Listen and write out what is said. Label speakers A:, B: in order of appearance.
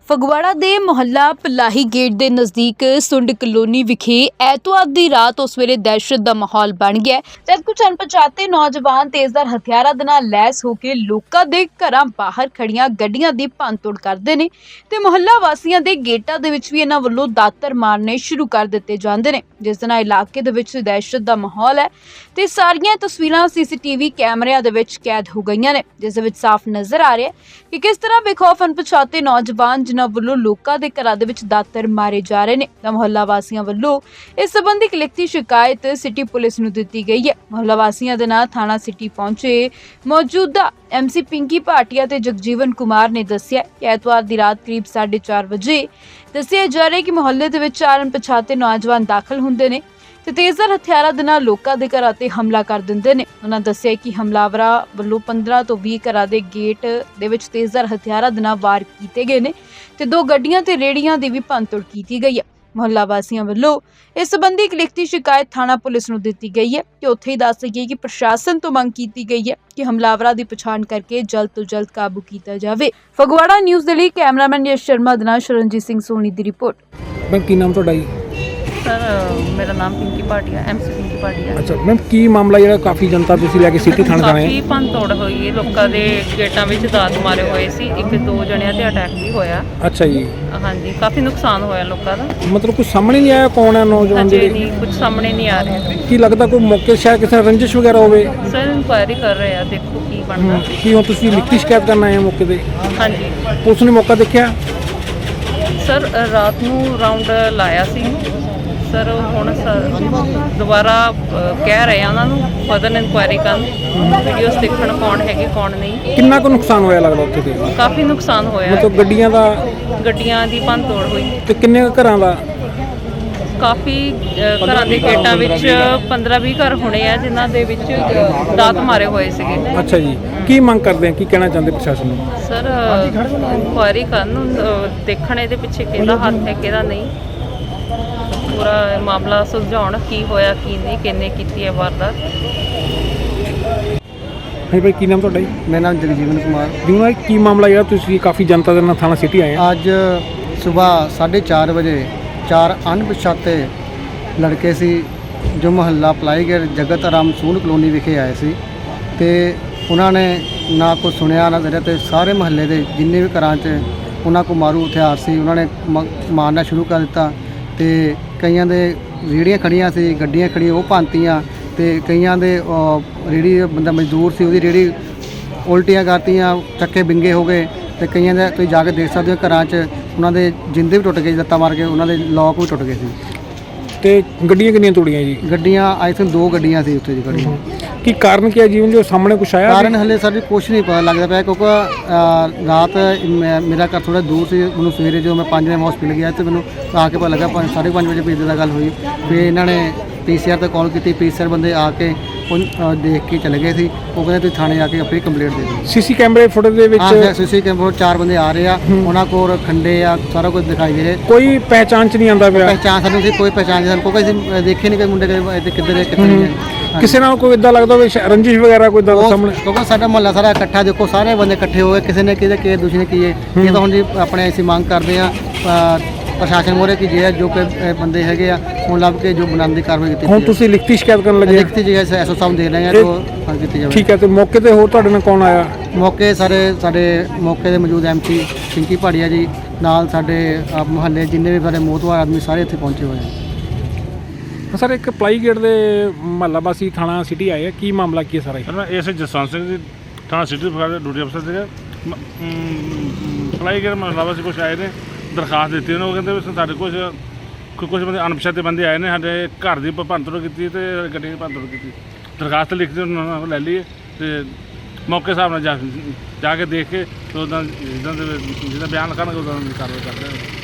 A: ਫਗਵਾੜਾ ਦੇ ਮੁਹੱਲਾ ਪਲਾਹੀ ਗੇਟ ਦੇ ਨਜ਼ਦੀਕ ਸੁੰਡ ਕਲੋਨੀ ਵਿਖੇ ਐਤਵਾਰ ਦੀ ਰਾਤ ਉਸ ਵੇਲੇ ਦਹਿਸ਼ਤ ਦਾ ਮਾਹੌਲ ਬਣ ਗਿਆ ਜਦ ਕੁਝ ਅਣਪਛਾਤੇ ਨੌਜਵਾਨ ਤੇਜ਼ਧਾਰ ਹਥਿਆਰਾਂ ਦੇ ਨਾਲ ਲੈਸ ਹੋ ਕੇ ਲੋਕਾਂ ਦੇ ਘਰਾਂ ਬਾਹਰ ਖੜੀਆਂ ਗੱਡੀਆਂ ਦੀ ਭੰਨਤੋੜ ਕਰਦੇ ਨੇ ਤੇ ਮੁਹੱਲਾ ਵਾਸੀਆਂ ਦੇ ਗੇਟਾਂ ਦੇ ਵਿੱਚ ਵੀ ਇਹਨਾਂ ਵੱਲੋਂ ਦਾਤਰ ਮਾਰਨੇ ਸ਼ੁਰੂ ਕਰ ਦਿੱਤੇ ਜਾਂਦੇ ਨੇ, ਜਿਸ ਦੇ ਨਾਲ ਇਲਾਕੇ ਦੇ ਵਿੱਚ ਦਹਿਸ਼ਤ ਦਾ ਮਾਹੌਲ ਹੈ ਤੇ ਸਾਰੀਆਂ ਤਸਵੀਰਾਂ ਸੀਸੀਟੀਵੀ ਕੈਮਰਿਆਂ ਦੇ ਵਿੱਚ ਕੈਦ ਹੋ ਗਈਆਂ ਨੇ, ਜਿਸ ਦੇ ਵਿੱਚ ਸਾਫ਼ ਨਜ਼ਰ ਆ ਰਿਹਾ ਹੈ ਕਿ ਕਿਸ ਤਰ੍ਹਾਂ ਬੇਖੌਫ ਅਣਪਛਾਤੇ ਨੌਜਵਾਨ ਜਿਨ੍ਹਾਂ ਵੱਲੋਂ ਲੋਕਾਂ ਦੇ ਘਰਾਂ ਦੇ ਵਿੱਚ ਦਾਤਰ ਮਾਰੇ ਜਾ ਰਹੇ ਨੇ। ਤਾਂ ਮੁਹੱਲਾ ਵਾਸੀਆਂ ਵੱਲੋਂ ਇਸ ਸੰਬੰਧੀ ਇੱਕ ਲਿਖਤੀ ਸ਼ਿਕਾਇਤ ਸਿਟੀ ਪੁਲਿਸ ਨੂੰ ਦਿੱਤੀ ਗਈ ਹੈ। ਮੁਹੱਲਾ ਵਾਸੀਆਂ ਦੇ ਨਾਲ ਥਾਣਾ ਸਿਟੀ ਪਹੁੰਚੇ ਮੌਜੂਦਾ MC ਪਿੰਕੀ ਭਾਟੀਆ ਤੇ ਜਗਜੀਵਨ ਕੁਮਾਰ ਨੇ ਦੱਸਿਆ ਕਿ ਐਤਵਾਰ ਦੀ ਰਾਤ ਕਰੀਬ 4:30 ਵਜੇ ਦੱਸਿਆ ਜਾ ਰਿਹਾ ਕਿ ਮੁਹੱਲੇ ਦੇ ਵਿੱਚ ਚਾਰ ਅਣਪਛਾਤੇ ਨੌਜਵਾਨ ਦਾਖਲ ਹੁੰਦੇ ਨੇ ਤੇ ਤੇਜ਼ਧਾਰ ਹਥਿਆਰਾਂ ਦੇ ਨਾਲ ਲੋਕਾਂ ਦੇ ਘਰਾਂ ਤੇ ਹਮਲਾ ਕਰ ਦਿੰਦੇ ਨੇ। ਉਹਨਾਂ ਦੱਸਿਆ ਕਿ ਹਮਲਾਵਰਾਂ ਵੱਲੋਂ 15 ਤੋਂ 20 ਘਰਾਂ ਦੇ ਗੇਟ ਦੇ ਵਿੱਚ ਤੇਜ਼ਧਾਰ ਹਥਿਆਰਾਂ ਦੇ ਨਾਲ ਵਾਰ ਕੀਤੇ ਗਏ ਨੇ ਤੇ 2 ਗੱਡੀਆਂ ਤੇ ਰੇਹੜੀਆਂ ਦੀ ਵੀ ਭੰਨਤੋੜ ਕੀਤੀ ਗਈ ਹੈ। ਮੁਹੱਲਾ ਵਾਸੀਆਂ ਵੱਲੋਂ ਇਸ ਸੰਬੰਧੀ ਇੱਕ ਲਿਖਤੀ ਸ਼ਿਕਾਇਤ ਥਾਣਾ ਪੁਲਿਸ ਨੂੰ ਦਿੱਤੀ ਗਈ ਹੈ ਤੇ ਉੱਥੇ ਹੀ ਦੱਸ ਗਈ ਕਿ ਪ੍ਰਸ਼ਾਸਨ ਤੋਂ ਮੰਗ ਕੀਤੀ ਗਈ ਹੈ ਕਿ ਹਮਲਾਵਰਾਂ ਦੀ ਪਛਾਣ ਕਰਕੇ ਜਲਦ ਤੋਂ ਜਲਦ ਕਾਬੂ ਕੀਤਾ ਜਾਵੇ। ਫਗਵਾੜਾ ਨਿਊਜ਼ ਦੇ ਲਈ ਕੈਮਰਾਮੈਨ ਯਸ਼ ਸ਼ਰਮਾ ਦੇ ਨਾਲ ਸ਼ਰਨਜੀਤ ਸਿੰਘ ਸੋਨੀ ਦੀ ਰਿਪੋਰਟ।
B: ਮੈਮ ਕੀ ਨਾਮ ਤੁਹਾਡਾ ਜੀ?
C: सर मेरा नाम पिंकी भाटिया MC पिंकी भाटिया।
B: ਅੱਛਾ ਮੈਮ ਕੀ ਮਾਮਲਾ ਜਿਹੜਾ ਕਾਫੀ ਜਨਤਾ ਤੁਸੀਂ ਲੈ ਕੇ ਸਿਟੀ ਥਾਣੇ ਆਏ
C: ਕਾਫੀ ਭੰਨਤੋੜ ਹੋਈ ਹੈ, ਲੋਕਾਂ ਦੇ ਗੇਟਾਂ ਵਿੱਚ ਦਾਤ ਮਾਰੇ ਹੋਏ ਸੀ, 1-2 ਜਣਿਆਂ ਤੇ ਅਟੈਕ ਵੀ ਹੋਇਆ।
B: ਅੱਛਾ ਜੀ,
C: ਹਾਂਜੀ ਕਾਫੀ ਨੁਕਸਾਨ ਹੋਇਆ ਲੋਕਾਂ ਦਾ।
B: ਮਤਲਬ ਕੁਝ ਸਾਹਮਣੇ ਨਹੀਂ ਆਇਆ ਕੌਣ ਹੈ ਨੌਜਵਾਨ
C: ਅਜੇ
B: ਜਿਹੜੇ?
C: ਨਹੀਂ ਕੁਝ ਸਾਹਮਣੇ ਨਹੀਂ ਆ ਰਿਹਾ।
B: ਕੀ ਲੱਗਦਾ ਕੋਈ ਮੌਕੇ ਸ਼ਾਇਦ ਕਿਸੇ ਨਾਲ ਰੰਜਿਸ਼ ਵਗੈਰਾ ਹੋਵੇ?
C: ਸਰ ਇਨਕੁਆਇਰੀ ਕਰ ਰਹੇ ਆ, ਦੇਖੋ ਕੀ ਬਣਦਾ।
B: ਕੀ ਹੁਣ ਤੁਸੀਂ ਲਿਖਤੀ ਸ਼ਿਕਾਇਤ ਕਰਨ ਆਏ ਹੋ ਮੌਕੇ ਤੇ?
C: ਹਾਂਜੀ
B: ਪੁਲਿਸ ਨੇ ਮੌਕਾ ਦੇਖਿਆ?
C: ਸਰ ਰਾਤ ਨੂੰ ਰਾਉਂਡ ਲਾਇਆ ਸੀ ਸਰ, ਹੁਣ ਦੁਬਾਰਾ ਕਹਿ ਰਹੇ ਆ ਉਹਨਾਂ ਨੂੰ ਫਰਦਰ ਇਨਕੁਆਇਰੀ ਕਰਨ, ਵੀਡੀਓਜ਼ ਦੇਖਣ ਕੌਣ ਹੈਗੇ ਕੌਣ ਨਹੀਂ।
B: ਕਿੰਨਾ ਕੁ ਨੁਕਸਾਨ ਹੋਇਆ ਲੱਗਦਾ ਉੱਥੇ ਤੇ?
C: ਕਾਫੀ ਨੁਕਸਾਨ ਹੋਇਆ,
B: ਮਤਲਬ
C: ਗੱਡੀਆਂ ਦੀ ਭੰਨਤੋੜ ਹੋਈ
B: ਤੇ ਕਿੰਨੇ ਕੁ ਘਰਾਂ ਦਾ?
C: ਕਾਫੀ ਘਰਾਂ ਦੇ ਗੇਟਾਂ ਵਿੱਚ 15-20 ਘਰ ਹੋਣੇ ਆ ਜਿਨ੍ਹਾਂ ਦੇ ਵਿੱਚ ਦਾਤ ਮਾਰੇ ਹੋਏ ਸੀਗੇ।
B: ਅੱਛਾ ਜੀ, ਕੀ ਮੰਗ ਕਰਦੇ ਆ, ਕੀ ਕਹਿਣਾ ਚਾਹੁੰਦੇ ਪ੍ਰਸ਼ਾਸਨ ਨੂੰ?
C: ਸਰ ਇਨਕੁਆਇਰੀ ਕਰਨ, ਦੇਖਣ ਇਹਦੇ ਪਿੱਛੇ ਕਿਹਦਾ ਹੱਥ ਹੈ ਕਿਹਦਾ ਨਹੀਂ, ਪੂਰਾ ਮਾਮਲਾ ਸੁਲਝਾਉਣ ਕੀ ਹੋਇਆ ਕੀ ਨਹੀਂ, ਕਿੰਨੇ ਕੀਤੀ ਹੈ ਵਾਰਦਾਤ।
B: ਹਾਂਜੀ ਭਾਈ, ਕੀ ਨਾਮ ਤੁਹਾਡਾ ਜੀ?
D: ਮੇਰਾ ਨਾਮ ਜਗਜੀਵਨ ਕੁਮਾਰ।
B: ਜਿਵੇਂ ਕੀ ਮਾਮਲਾ ਜਿਹੜਾ ਤੁਸੀਂ ਕਾਫੀ ਜਨਤਾ ਦੇ ਨਾਲ ਥਾਣਾ ਸਿਟੀ ਆਏ ਆ?
D: ਅੱਜ ਸਵੇਰ 4:30 ਵਜੇ 4 ਅਣਪਛਾਤੇ ਲੜਕੇ ਸੀ ਜੋ ਮੁਹੱਲਾ ਪਲਾਈਗੇਟ ਜਗਤ ਆਰਾਮ ਸੂਨ ਕਲੋਨੀ ਵਿਖੇ ਆਏ ਸੀ ਤੇ ਉਹਨਾਂ ਨੇ ਨਾ ਕੁਛ ਸੁਣਿਆ ਨਾ ਕਰਿਆ ਤੇ ਸਾਰੇ ਮੁਹੱਲੇ ਦੇ ਜਿੰਨੇ ਵੀ ਘਰਾਂ 'ਚ ਉਹਨਾਂ ਕੋਲ ਮਾਰੂ ਹਥਿਆਰ ਸੀ ਉਹਨਾਂ ਨੇ ਮਾਰਨਾ ਸ਼ੁਰੂ ਕਰ ਦਿੱਤਾ ਤੇ ਕਈਆਂ ਦੇ ਰੇਹੜੀਆਂ ਖੜੀਆਂ ਸੀ, ਗੱਡੀਆਂ ਖੜੀਆਂ ਉਹ ਭੰਨਤੀਆਂ ਤੇ ਕਈਆਂ ਦੇ ਰੇਹੜੀ ਬੰਦਾ ਮਜ਼ਦੂਰ ਸੀ ਉਹਦੀ ਰੇਹੜੀ ਉਲਟੀਆਂ ਕਰਤੀਆਂ, ਚੱਕੇ ਬਿੰਗੇ ਹੋ ਗਏ ਤੇ ਕਈਆਂ ਦੇ ਤੁਸੀਂ ਜਾ ਕੇ ਦੇਖ ਸਕਦੇ ਹੋ ਘਰਾਂ 'ਚ ਉਹਨਾਂ ਦੇ ਜਿੰਦੇ ਵੀ ਟੁੱਟ ਗਏ, ਲੱਤਾਂ ਮਾਰ ਕੇ ਉਹਨਾਂ ਦੇ ਲੋਕ ਵੀ ਟੁੱਟ ਗਏ ਸੀ।
B: ਤੇ ਗੱਡੀਆਂ ਕਿੰਨੀਆਂ ਤੋੜੀਆਂ ਜੀ?
D: ਗੱਡੀਆਂ ਆਈ ਥਿੰਕ 2 ਗੱਡੀਆਂ ਸੀ ਉੱਥੇ ਜੀ ਖੜੀਆਂ।
B: ਕੀ ਕਾਰਨ ਕੀ ਹੈ ਜੀਵਨ ਜੋ ਸਾਹਮਣੇ ਕੁਛ ਆਇਆ?
D: ਕਾਰਨ ਹਲੇ ਸਾਡੇ ਕੁਛ ਨਹੀਂ ਪਤਾ ਲੱਗਦਾ ਪਿਆ ਕਿਉਂਕਿ ਰਾਤ ਮੇਰਾ ਘਰ ਥੋੜਾ ਦੂਰ ਸੀ, ਮੈਨੂੰ ਸਵੇਰੇ ਜਦੋਂ ਮੈਂ 5 ਵਜੇ ਹਸਪੀਟਲ ਗਿਆ ਤੇ ਮੈਨੂੰ ਆ ਕੇ ਪਤਾ ਲੱਗਾ 5:30 ਵਜੇ ਪੀਜ਼ੇ ਦਾ ਗੱਲ ਹੋਈ। ਫਿਰ ਇਹਨਾਂ ਨੇ PCR ਤੇ ਕਾਲ ਕੀਤੀ, PCR ਬੰਦੇ ਆ ਕੇ ਉਹ ਦੇਖ ਕੇ ਚਲੇ ਗਏ ਸੀ। ਉਹ ਕਹਿੰਦੇ ਤੁਸੀਂ ਥਾਣੇ ਆ ਕੇ ਆਪਣੀ ਕੰਪਲੇਂਟ ਦੇ ਦਿਓ।
B: ਸੀਸੀ ਕੈਮਰੇ ਫੁਟੇਜ ਦੇ ਵਿੱਚ
D: ਸੀਸੀ ਕੈਮਰੇ 4 ਬੰਦੇ ਆ ਰਹੇ ਆ, ਉਹਨਾਂ ਕੋਲ ਖੰਡੇ ਆ, ਸਾਰਾ ਕੁਝ ਦਿਖਾਈ ਦੇ ਰਿਹਾ।
B: ਕੋਈ ਪਹਿਚਾਣ ਚ ਨਹੀਂ ਆਉਂਦਾ ਪਿਆ?
D: ਪਹਿਚਾਣ ਸਾਨੂੰ ਸੀ ਕੋਈ ਪਹਿਚਾਣ ਨਹੀਂ, ਸਾਨੂੰ ਕੋਈ ਅਸੀਂ ਦੇਖੇ ਨਹੀਂ ਕੋਈ ਮੁੰਡੇ ਕਿੱਧਰ ਹੈ ਕਿੱਧਰ ਨਹੀਂ ਹੈ।
B: ਕਿਸੇ ਨਾਲ ਕੋਈ ਇਦਾਂ ਲੱਗਦਾ ਵੀ ਰੰਜਿਸ਼ ਵਗੈਰਾ ਕੋਈ ਸਾਹਮਣੇ?
D: ਕਿਉਂਕਿ ਸਾਡਾ ਮੁਹੱਲਾ ਸਾਰਾ ਇਕੱਠਾ, ਦੇਖੋ ਸਾਰੇ ਬੰਦੇ ਇਕੱਠੇ ਹੋ ਗਏ, ਕਿਸੇ ਨੇ ਕਿਹਦੇ ਕਿ ਦੂਸਰੇ ਨੇ ਕੀਏ। ਇਹ ਤਾਂ ਹੁਣ ਜੀ ਆਪਣੇ ਅਸੀਂ ਮੰਗ ਕਰਦੇ ਆ ਪ੍ਰਸ਼ਾਸਨ ਮੋਰੇ ਕਿ ਜੇ ਜੋ ਕਿ ਬੰਦੇ ਹੈਗੇ ਆ ਹੁਣ ਲੱਭ ਕੇ ਜੋ ਬਣਾਉਣ ਦੀ ਕਾਰਵਾਈ ਕੀਤੀ।
B: ਹੁਣ ਤੁਸੀਂ ਲਿਖਤੀ ਸ਼ਿਕਾਇਤ ਕਰਨ ਲੱਗੇ?
D: ਲਿਖਤੀ ਜੀ ਐਸਓ ਸਾਹਿਬ ਦੇ ਰਹੇ ਆ ਜੋ ਕੀਤੀ ਜਾਵੇ।
B: ਠੀਕ ਹੈ, ਤੇ ਮੌਕੇ ਤੇ ਹੋਰ ਤੁਹਾਡੇ ਨਾਲ ਕੌਣ ਆਇਆ?
D: ਮੌਕੇ ਸਾਡੇ ਮੌਕੇ ਦੇ ਮੌਜੂਦ MC ਪਿੰਕੀ ਭਾਟੀਆ ਜੀ ਨਾਲ ਸਾਡੇ ਮੁਹੱਲੇ ਜਿੰਨੇ ਵੀ ਸਾਡੇ ਮੋਹਤਵਾਰ ਆਦਮੀ ਸਾਰੇ ਇੱਥੇ ਪਹੁੰਚੇ ਹੋਏ ਆ।
B: ਸਰ ਇੱਕ ਪਲਾਈ ਗੇਟ ਦੇ ਮੁਹੱਲਾ ਵਾਸੀ ਥਾਣਾ ਸਿਟੀ ਆਏ ਆ, ਕੀ ਮਾਮਲਾ ਕੀ ਹੈ ਸਾਰਾ?
E: ਸਰ ਮੈਂ ਇਸ ਜਸਵੰਤ ਸਿੰਘ ਜੀ ਥਾਣਾ ਸਿਟੀ ਫਗਵਾੜਾ ਦੇ ਡਿਊਟੀ ਅਫਸਰ ਸੀਗਾ। ਪਲਾਈ ਗੇਟ ਮੁਹੱਲਾ ਵਾਸੀ ਕੁਛ ਆਏ ਨੇ, ਦਰਖਾਸਤ ਦਿੱਤੀ ਉਹਨਾਂ। ਉਹ ਕਹਿੰਦੇ ਵੀ ਸਾਡੇ ਕੁਛ ਬੰਦੇ ਅਣਪਛਾਤੇ ਬੰਦੇ ਆਏ ਨੇ, ਸਾਡੇ ਘਰ ਦੀ ਭੰਨਤੋੜ ਕੀਤੀ ਤੇ ਗੱਡੀ ਦੀ ਭੰਨਤੋੜ ਕੀਤੀ। ਦਰਖਾਸਤ ਲਿਖ ਕੇ ਉਹਨਾਂ ਨੂੰ ਲੈ ਲਈਏ ਤੇ ਮੌਕੇ ਹਿਸਾਬ ਨਾਲ ਜਾ ਕੇ ਦੇਖ ਕੇ ਤੇ ਉੱਦਾਂ ਜਿੱਦਾਂ ਬਿਆਨ ਲਿਖਾਉਣਗੇ ਉੱਦਾਂ ਦੀ ਕਾਰਵਾਈ ਕਰਦੇ ਹਾਂ।